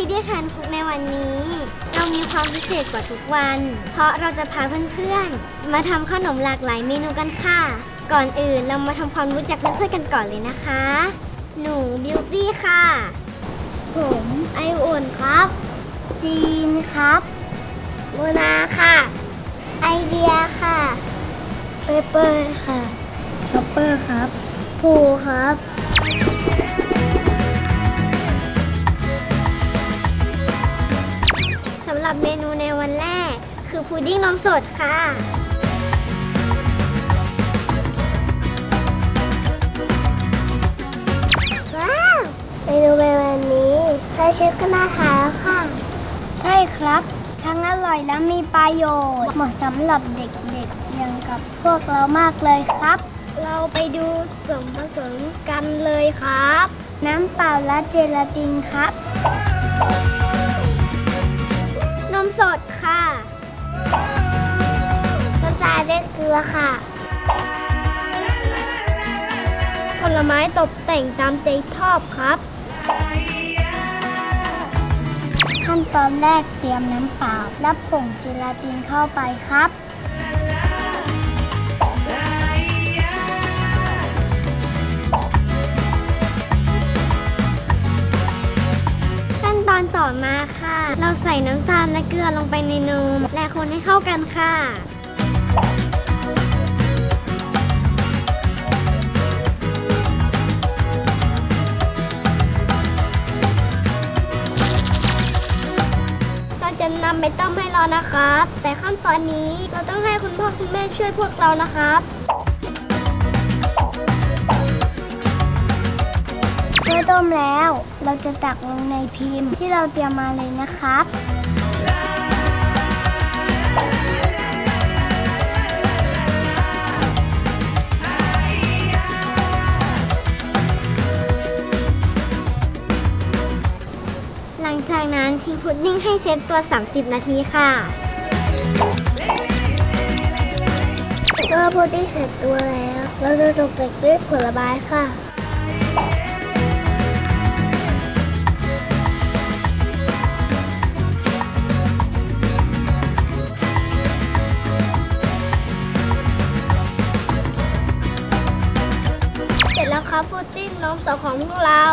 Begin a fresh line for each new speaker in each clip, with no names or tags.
ดี้แคนคุกในวันนี้ เรามีความพิเศษกว่าทุกวัน เพราะเราจะพาเพื่อนๆมาทำขนมหลากหลายเมนูกันค่ะ ก่อนอื่นเรามาทำความรู้จักเพื่อนๆกันก่อนเลยนะคะ หนูบิวตี้ค่ะผมไออุ่นครับจีนครับโมนาค่ะไอเดียค่ะเปเปอร์ค่ะช็อปเปอร์ครับภูครับสำหรับเมนูในวันแรกคือพุดดิ้งนมสดค่ะว้าวเมนูในวันนี้แค่ชื่อก็น่าทานแล้วค่ะใช่ครับทั้งอร่อยและมีประโยชน์เหมาะสำหรับเด็กๆอย่างกับพวกเรามากเลยครับเราไปดูส่วนผสมกันเลยครับน้ำเปล่าและเจลาตินครับนมสดค่ะน้ำตาลและเกลือค่ะผลไม้ตกแต่งตามใจชอบครับขั้นตอนแรกเตรียมน้ำเปล่าและผงเจลาตินเข้าไปครับขั้นตอนต่อมาค่ะเราใส่น้ำตาลและเกลือลงไปในนมและคนให้เข้ากันค่ะจะนำไปต้มให้ร้อนนะครับแต่ขั้นตอนนี้เราต้องให้คุณพ่อคุณแม่ช่วยพวกเรานะครับเมื่อต้มแล้วเราจะตักลงในพิมพ์ที่เราเตรียมมาเลยนะครับหลังจากนั้นทิ้งพุดดิ้งให้เซตตัว30 นาทีค่ะเมื่อพุดดิ้งเสร็จตัวแล้วเราจะตกแต่งด้วยผลไม้ค่ะเสร็จแล้วครับพุดดิ้งนมสดของพวกเรา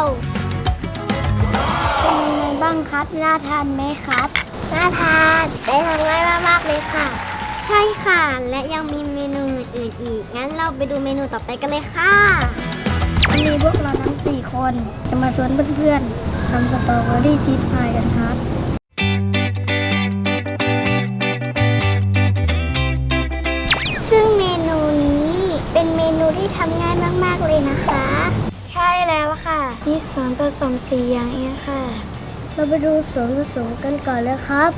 เป็นยังไงบ้างครับน่าทานไหมครับน่าทานได้ทำง่ายมากๆเลยค่ะใช่ค่ะและยังมีเมนูอื่นๆอีกงั้นเราไปดูเมนูต่อไปกันเลยค่ะวันนี้พวกเราทั้ง4คนจะมาชวนเพื่อนๆทำสตรอเบอรี่ชีสพายกันครับซึ่งเมนูนี้เป็นเมนูที่ทำง่ายมากๆเลยนะคะใช่แล้วค่ะมีส่วนผสม4อย่างเองค่ะเราไปดูส่วนผสมกันก่อนเลยครับ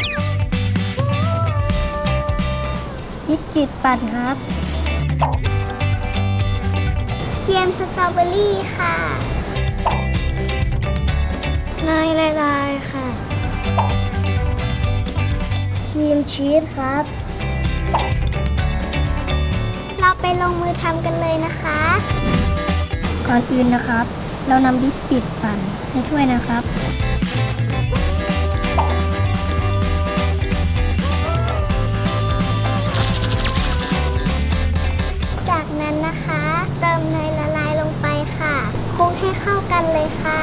บิสกิตปั่นครับเยมสตรอเบอรี่ค่ะเนยละลายค่ะครีมชีสครับเราไปลงมือทำกันเลยนะคะก่อนอื่นนะครับเรานำบิสกิตปั่นใส่ถ้วยนะครับจากนั้นนะคะเติมเนยละลายลงไปค่ะคลุกให้เข้ากันเลยค่ะ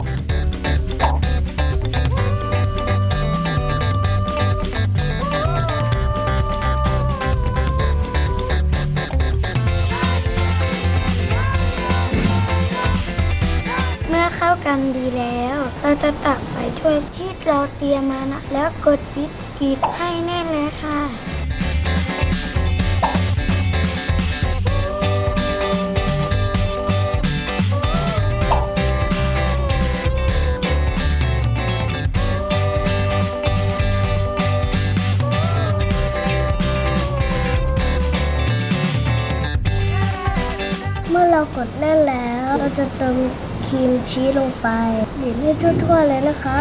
เข้ากันดีแล้วเราจะตักใส่ถ้วยที่เราเตรียมมานะแล้วกดบิสกิตให้แน่นเลยค่ะเมื่อเรากดแน่นแล้วเราจะเติมครีมชีสลงไปบีบให้ทั่วๆเลยนะครับ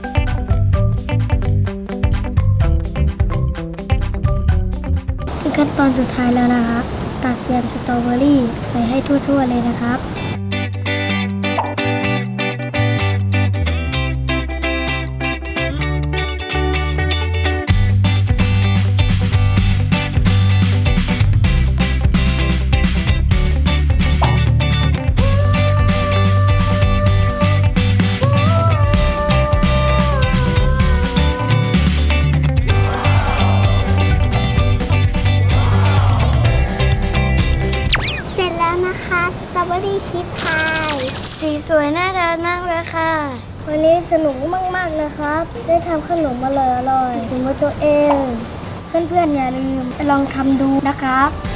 ขั้น
ตอนสุดท้ายแล้วนะครับตัดแยมสตรอเบอรี่ใส่ให้ทั่วๆเลยนะครับ
เสร็จแล้วนะคะสตรอเบอรี่ชีสพายสีสวยน่าทานมากเลยค่ะ
วันนี้สนุกมากๆเลยครับ ได้ทำขนมอร่อยๆถึงมือตัวเอง เพื่อนๆอย่าลืมไปลองทำดูนะครับ